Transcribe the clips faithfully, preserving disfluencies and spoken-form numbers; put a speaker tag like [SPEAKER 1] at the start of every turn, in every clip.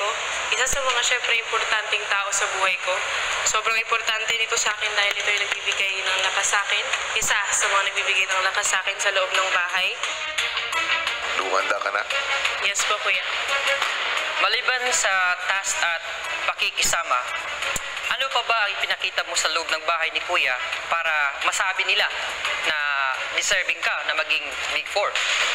[SPEAKER 1] ko. Isa sa mga syempre importanteng tao sa buhay ko. Sobrang importante nito sa akin dahil ito yung nagbibigay ng lakas sa akin. Isa sa mga nagbibigay ng lakas sa akin sa loob ng bahay.
[SPEAKER 2] Lumanda ka na?
[SPEAKER 1] Yes po, kuya.
[SPEAKER 3] Maliban sa task at pakikisama, ano pa ba ang ipinakita mo sa loob ng bahay ni Kuya para masabi nila na deserving ka na maging Big Four?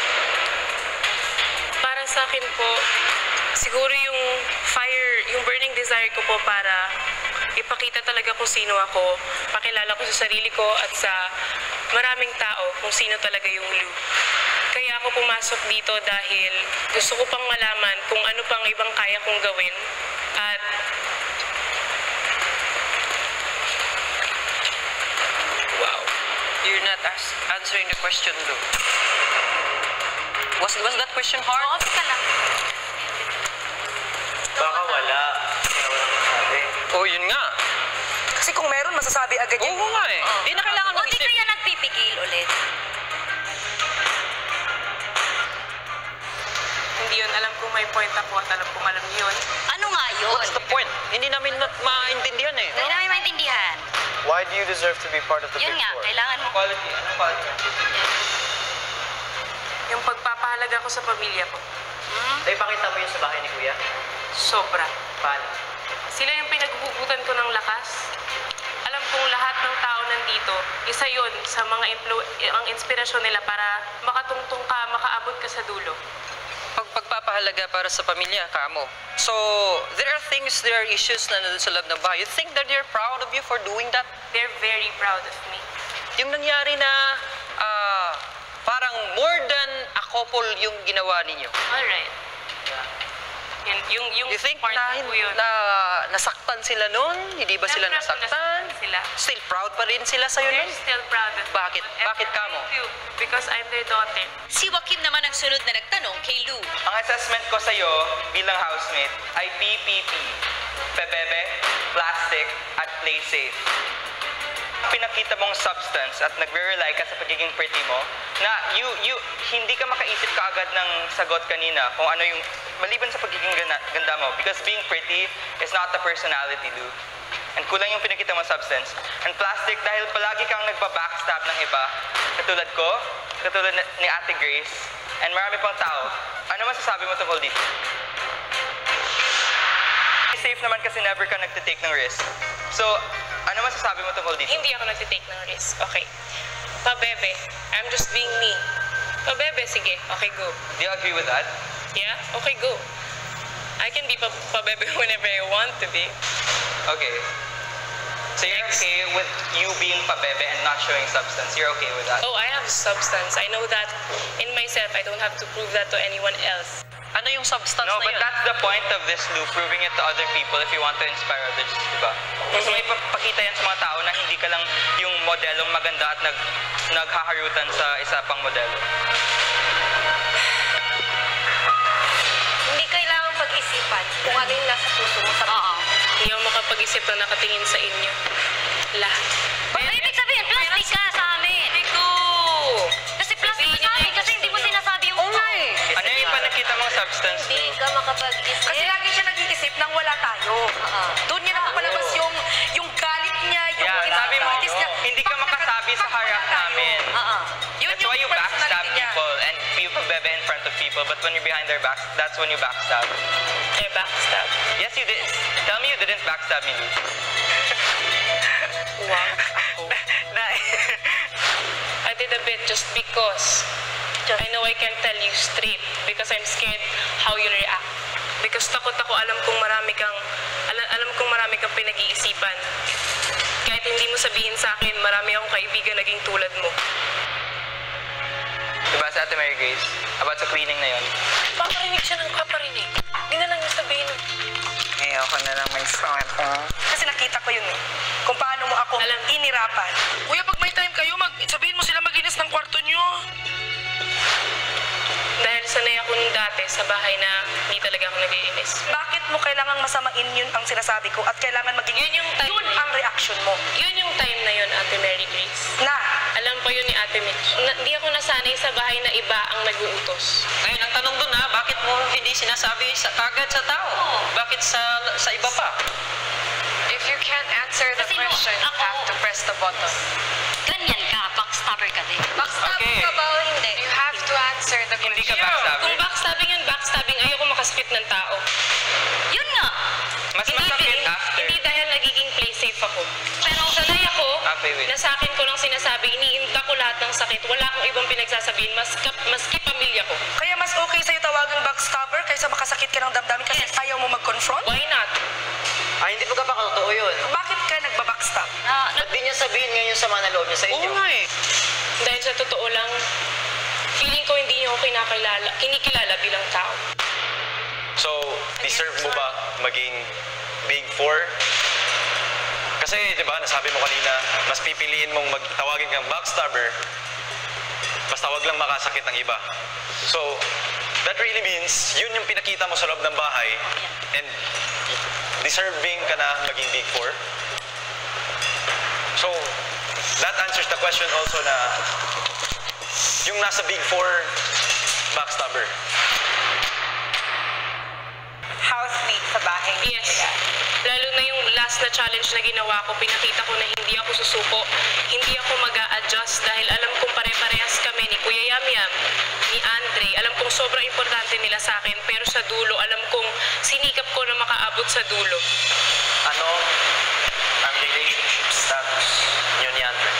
[SPEAKER 1] Para sa akin po, siguro yung fire, yung burning desire ko po para ipakita talaga kung sino ako, pakilala ko sa sarili ko at sa maraming tao kung sino talaga yung Lou. Kaya ako pumasok dito dahil gusto ko pang malaman kung ano pang ibang kaya kong gawin at
[SPEAKER 3] Wow. You're not as answering the question, Lou. Was, was that question hard?
[SPEAKER 4] Oo, ka lang.
[SPEAKER 5] Baka wala. Kaya walang masabi.
[SPEAKER 3] Oh, yun nga.
[SPEAKER 6] Kasi kung meron, masasabi agad
[SPEAKER 3] Oo
[SPEAKER 6] yun.
[SPEAKER 3] nga eh. Di na kailangan
[SPEAKER 4] O di
[SPEAKER 3] mag-isip.
[SPEAKER 4] kaya nagpipigil ulit.
[SPEAKER 1] hindi yun. Alam kong may point ako at alam kong alam niyo yun.
[SPEAKER 4] Ano nga yun?
[SPEAKER 3] What's the point? Hindi namin na maintindihan eh.
[SPEAKER 4] Hindi namin maintindihan.
[SPEAKER 5] Why do you deserve to be part of the
[SPEAKER 4] Yun
[SPEAKER 5] Big
[SPEAKER 4] nga,
[SPEAKER 5] Four?
[SPEAKER 4] kailangan mo.
[SPEAKER 5] Quality. Anong quality?
[SPEAKER 1] Yung pagpapahalaga ko sa pamilya ko.
[SPEAKER 4] Hmm?
[SPEAKER 5] Ay, pakita mo yun sa bahay ni Kuya.
[SPEAKER 1] Sobra.
[SPEAKER 5] Paano?
[SPEAKER 1] Sila yung pinaghuhugutan ko ng lakas. Alam kong lahat ng tao nandito, isa yun sa mga influ- ang inspirasyon nila para makatungtong ka, makaabot ka sa dulo.
[SPEAKER 3] Pag pagpapahalaga para sa pamilya, kamo. So, there are things, there are issues na nandun sa loob ng bahay. You think that they're proud of you for doing that?
[SPEAKER 1] They're very proud of me.
[SPEAKER 3] Yung nangyari na ah, parang more than a couple yung ginawa ninyo.
[SPEAKER 1] Alright. Yun, yung, yung
[SPEAKER 3] You think
[SPEAKER 1] part
[SPEAKER 3] na,
[SPEAKER 1] ko yun.
[SPEAKER 3] na nasaktan sila nun? Hindi ba sila
[SPEAKER 1] Siyempre po,
[SPEAKER 3] nasaktan?
[SPEAKER 1] Sila.
[SPEAKER 3] Still proud pa rin sila sa'yo
[SPEAKER 1] They're
[SPEAKER 3] nun?
[SPEAKER 1] still proud of me.
[SPEAKER 3] Bakit?
[SPEAKER 1] Whatever
[SPEAKER 3] Bakit ka mo?
[SPEAKER 1] I do, because I'm their daughter.
[SPEAKER 4] Si Joaquin naman ang sunod na nagtanong kay Lou.
[SPEAKER 7] Ang assessment ko sa'yo bilang housemate ay P P P, pebebe, plastic, at play safe. Pinakita mong substance at nagre-rely ka sa pagiging pretty mo na you, you, hindi ka makaisip kaagad ng sagot kanina kung ano yung maliban sa pagiging ganda, ganda mo because being pretty is not the personality, Lou. And kulang yung pinakita mong substance. And plastic, dahil palagi kang nagpa-backstab ng iba, katulad ko, katulad ni Ate Grace, and marami pang tao. Ano masasabi mo tungkol dito? Safe naman kasi never ka nagtitake ng risk. So, ano masasabi mo tungkol dito?
[SPEAKER 1] Hindi ako nagtitake ng risk. Okay. Pabebe, I'm just being me. Pabebe, sige. Okay, go.
[SPEAKER 7] Do you agree with that?
[SPEAKER 1] Yeah? Okay, go. I can be pa pabebe whenever I want to be.
[SPEAKER 7] Okay. So you're okay with you being pabebe and not showing substance? You're okay with that?
[SPEAKER 1] Oh, I have substance. I know that in myself. I don't have to prove that to anyone else.
[SPEAKER 3] Ano yung substance
[SPEAKER 7] No,
[SPEAKER 3] na
[SPEAKER 7] but
[SPEAKER 3] yun?
[SPEAKER 7] that's the point of this, Lou, proving it to other people if you want to inspire others, di ba? Gusto mo ipakita yan sa mga tao na hindi ka lang yung modelong maganda at nag, naghaharutan sa isa pang modelo.
[SPEAKER 4] Hindi kailangan pag-isipan kung ano yung nasa puso mo sa Oo.
[SPEAKER 1] Hindi ako makapag-isip na nakatingin sa inyo. Lahat.
[SPEAKER 4] Pero ibig sabihin, plastic ka sa amin.
[SPEAKER 1] Go!
[SPEAKER 4] Kasi plastic ka sa amin kasi hindi mo sinasabi yung Oo nga eh.
[SPEAKER 7] Ano yung ipinakita mong substance, Lou?
[SPEAKER 4] Hindi ka makapag-isip.
[SPEAKER 6] Kasi lagi siya nag-iisip nang wala tayo.
[SPEAKER 4] Oo.
[SPEAKER 6] Doon niya napapalabas yung, yung galit niya, yung
[SPEAKER 7] Yeah, sabi mo,
[SPEAKER 6] insecurities niya.
[SPEAKER 7] hindi ka
[SPEAKER 6] Pag naka-
[SPEAKER 7] makasabi sa
[SPEAKER 6] pag wala
[SPEAKER 7] harap
[SPEAKER 6] tayo.
[SPEAKER 7] namin.
[SPEAKER 4] Oo.
[SPEAKER 6] Yun
[SPEAKER 7] That's
[SPEAKER 6] yung
[SPEAKER 7] why you backstab
[SPEAKER 6] personality niya.
[SPEAKER 7] people and you pabebe in front of people, but when you're behind their backs, that's when you backstab.
[SPEAKER 1] Eh, backstab.
[SPEAKER 7] Yes, you did. Tell me you didn't backstab me, Lou.
[SPEAKER 1] Wow.
[SPEAKER 7] Na,
[SPEAKER 1] I did a bit just because I know I can tell you straight because I'm scared how you react. Because takot ako, alam kong marami kang alam, alam kong marami kang pinag-iisipan. Kahit hindi mo sabihin sa akin, marami akong kaibigan naging tulad mo.
[SPEAKER 7] diba sa Ate Mary Grace? About sa cleaning na yun.
[SPEAKER 1] Paparinig siya ng paparinig. Hindi na lang niya sabihin.
[SPEAKER 6] Ayoko na lang may sakit. Kasi nakita ko yun eh. Kung paano mo ako
[SPEAKER 1] Alam.
[SPEAKER 6] inirapan. Kuya, pag may time kayo, mag sabihin mo sila maginis ng kwarto nyo.
[SPEAKER 1] Dahil sanay ako nung dati sa bahay na hindi talaga ako nag-iinis.
[SPEAKER 6] Bakit mo kailangang masamain yun ang sinasabi ko at kailangan maging
[SPEAKER 1] Yun yung time.
[SPEAKER 6] yun ang reaction mo?
[SPEAKER 1] Yun yung time na yun, Ate Mary Grace.
[SPEAKER 6] Na,
[SPEAKER 1] Alam pa yun ni Ate Ate Mitch. Na, hindi ako nasanay sa bahay na iba ang nag-uutos.
[SPEAKER 3] Ngayon, ang tanong doon ha, bakit mo hindi sinasabi sa, kagad sa tao? Bakit sa sa iba pa?
[SPEAKER 8] If you can't answer the
[SPEAKER 4] Kasi no,
[SPEAKER 8] question, you
[SPEAKER 4] ako-
[SPEAKER 8] have to press the button.
[SPEAKER 4] Ganyan ka, backstabber ka din.
[SPEAKER 8] Backstab
[SPEAKER 3] Okay.
[SPEAKER 8] ka ba o hindi? You have to answer the
[SPEAKER 3] Hindi ka
[SPEAKER 8] question.
[SPEAKER 3] backstabber.
[SPEAKER 1] Kung backstabbing yun, backstabbing, ayoko makasakit ng tao.
[SPEAKER 4] Yun nga.
[SPEAKER 3] Mas
[SPEAKER 1] Hindi,
[SPEAKER 3] masakit
[SPEAKER 1] hindi,
[SPEAKER 3] after.
[SPEAKER 1] hindi dahil nagiging play safe ako.
[SPEAKER 4] Pero
[SPEAKER 1] Sanay ako
[SPEAKER 3] Okay, wait.
[SPEAKER 1] na sa akin ko lang sinasabi, iniinda ko lahat ng sakit. Wala akong ibang pinagsasabihin, mas, maski pamilya ko.
[SPEAKER 6] Kaya mas okay sa'yo tawagang backstabber kaysa makasakit ka ng damdamin kasi ayaw mo mag-confront?
[SPEAKER 1] Why not?
[SPEAKER 5] Ay, hindi pagkapakatotoo yun.
[SPEAKER 6] Bakit ka nagbabackstab?
[SPEAKER 4] na, na,
[SPEAKER 5] Ba't di niya sabihin ngayon sa mga loob niya sa inyo?
[SPEAKER 3] Oo nga eh.
[SPEAKER 1] Dahil sa totoo lang, feeling ko hindi niyo ako kinakilala, kinikilala bilang tao.
[SPEAKER 9] So, deserve mo ba maging Big Four? Kasi, di ba, nasabi mo kanina, mas pipiliin mong magtawagin kang backstabber, basta wag lang makasakit ng iba. So, that really means, yun yung pinakita mo sa loob ng bahay, and deserving ka na maging Big Four. So, that answers the question also na, yung nasa Big Four, backstabber.
[SPEAKER 6] Housemate sa bahay.
[SPEAKER 1] Yes. Lalo na yung last na challenge na ginawa ko, pinakita ko na hindi ako susuko, hindi ako mag-a-adjust dahil alam kong pare-parehas kami ni Kuya Yam Yam, ni Andre. Alam kong sobrang importante nila sa akin, pero sa dulo, alam kong sinikap ko na makaabot sa dulo.
[SPEAKER 5] Ano ang relationship status niyo ni Andre?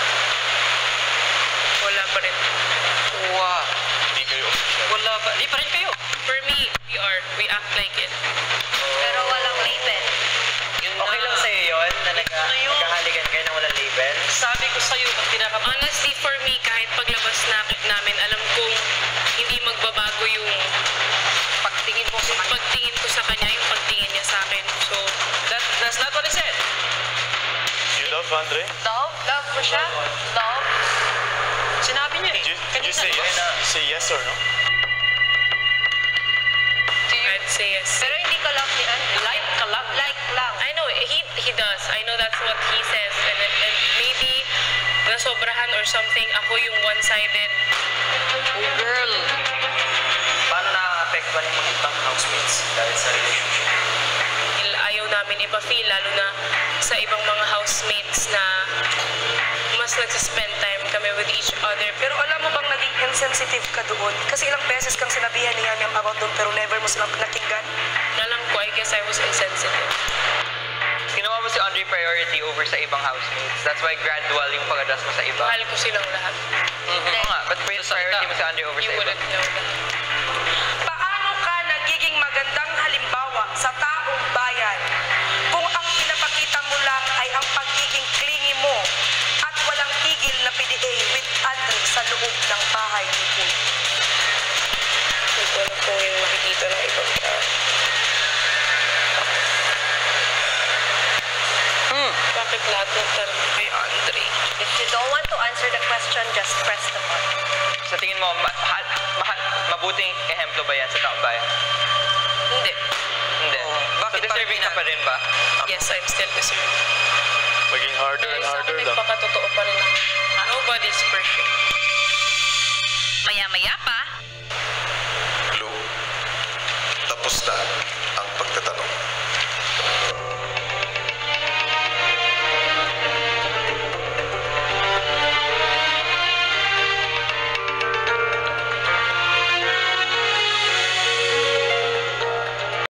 [SPEAKER 1] Wala pa rin.
[SPEAKER 3] Wow.
[SPEAKER 9] Hindi kayo.
[SPEAKER 3] Wala ba? Di pa rin kayo.
[SPEAKER 1] For me, we are. We act like it.
[SPEAKER 4] pero walang label.
[SPEAKER 3] Yun
[SPEAKER 5] Okay lang sa'yo yun na nag
[SPEAKER 3] Ano yun?
[SPEAKER 5] nagkahaligan kayo ng walang label?
[SPEAKER 3] Sabi ko sa'yo, pag tinakap
[SPEAKER 1] Honestly, for me, kahit paglabas na, namin, alam kong hindi magbabago yung
[SPEAKER 3] pagtingin mo sa
[SPEAKER 1] yung
[SPEAKER 3] kanya.
[SPEAKER 1] pagtingin ko sa kanya, yung pagtingin niya sa akin. So,
[SPEAKER 3] That, that's not what I said.
[SPEAKER 9] You love Andre?
[SPEAKER 8] Love? Love mo siya? Love?
[SPEAKER 3] Sinabi niya eh.
[SPEAKER 9] Did you, did you say yes? Say yes or no?
[SPEAKER 8] Do you...
[SPEAKER 1] I'd say yes.
[SPEAKER 8] Pero hindi ka love ni Andre.
[SPEAKER 3] Like ka lang.
[SPEAKER 8] Like lang.
[SPEAKER 1] I know, he he does. I know that's what he says. And, and maybe nasobrahan or something, ako yung one-sided.
[SPEAKER 3] Oh, girl.
[SPEAKER 5] Paano nakaka-apektuhan yung mga ibang housemates dahil sa relationship?
[SPEAKER 1] Ayaw namin ipa-feel, lalo na sa ibang mga housemates na mas nagsispend time kami with each other.
[SPEAKER 6] Pero alam mo bang naging insensitive ka doon? Kasi ilang beses kang sinabihan ni Yam Yam about doon pero never mo silang nakinggan.
[SPEAKER 1] Alam ko, I guess I was insensitive.
[SPEAKER 7] Ginawa mo si Andre priority over sa ibang housemates. That's why gradual yung pag-adjust mo sa iba.
[SPEAKER 1] Mahal ko silang lahat.
[SPEAKER 7] Oo nga, but priority mo si Andre over
[SPEAKER 1] You
[SPEAKER 7] sa iba.
[SPEAKER 1] wouldn't know that.
[SPEAKER 6] Paano ka nagiging magandang halimbawa sa taong bayan kung ang pinapakita mo lang ay ang pagiging clingy mo at walang tigil na P D A with Andre sa loob ng bahay ni Kuya?
[SPEAKER 1] Hindi ko alam kung yung makikita ng ibang tao.
[SPEAKER 3] Hmm.
[SPEAKER 1] Bakit lahat ng tanong kay Andre?
[SPEAKER 8] If you don't want to answer the question, just press the button.
[SPEAKER 7] Sa tingin mo, mahal, mahal, mabuting ehemplo ba yan sa taong bayan?
[SPEAKER 1] Hindi.
[SPEAKER 7] Hindi.
[SPEAKER 3] Oh, bakit
[SPEAKER 7] so deserving
[SPEAKER 3] parang
[SPEAKER 7] ka pa rin ba?
[SPEAKER 1] Yes, I'm still deserving.
[SPEAKER 9] Maging harder
[SPEAKER 1] Pero
[SPEAKER 9] and
[SPEAKER 1] isa
[SPEAKER 9] harder
[SPEAKER 1] ko
[SPEAKER 9] lang.
[SPEAKER 1] nagpakatotoo pa rin ako. Nobody's perfect.
[SPEAKER 4] Maya-maya pa,
[SPEAKER 2] Blue, tapos na.